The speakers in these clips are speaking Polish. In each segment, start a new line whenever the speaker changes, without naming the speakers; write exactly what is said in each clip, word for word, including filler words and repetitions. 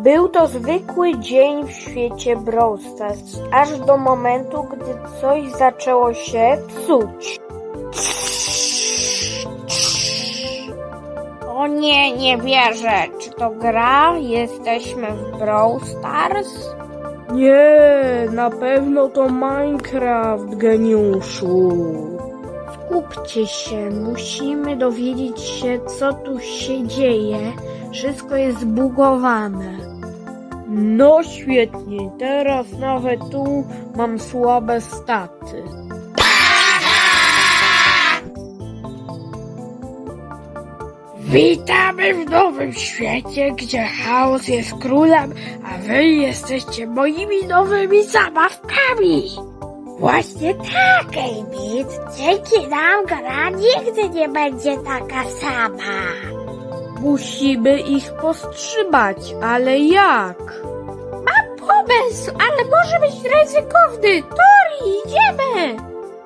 Był to zwykły dzień w świecie Brawl Stars, aż do momentu, gdy coś zaczęło się psuć. O nie, nie wierzę. Czy to gra? Jesteśmy w Brawl Stars?
Nie, na pewno to Minecraft, geniuszu.
Skupcie się, musimy dowiedzieć się, co tu się dzieje. Wszystko jest zbugowane.
No świetnie, teraz nawet tu mam słabe staty.
Witamy w nowym świecie, gdzie chaos jest królem, a wy jesteście moimi nowymi zabawkami. Właśnie tak, Amy. Dzięki nam gra nigdy nie będzie taka sama.
Musimy ich powstrzymać, ale jak?
Mam pomysł, ale może być ryzykowny. Tori, idziemy!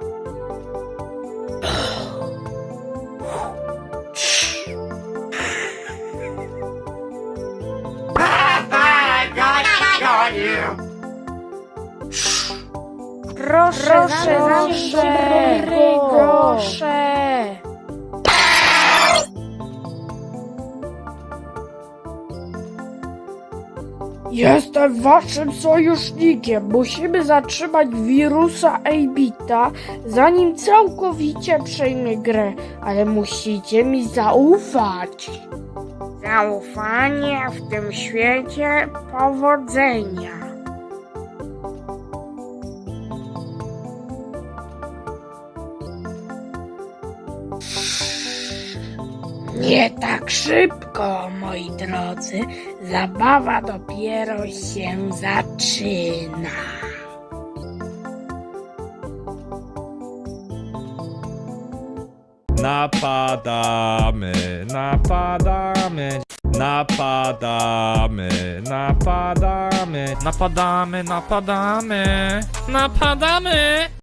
Proszę,
Proszę,
proszę,
proszę,
proszę.
Jestem waszym sojusznikiem. Musimy zatrzymać wirusa A-Bita, zanim całkowicie przejmie grę. Ale musicie mi zaufać.
Zaufanie w tym świecie, powodzenia. Nie tak szybko, moi drodzy. Zabawa dopiero się zaczyna.
Napadamy, napadamy, napadamy, napadamy, napadamy, napadamy, napadamy.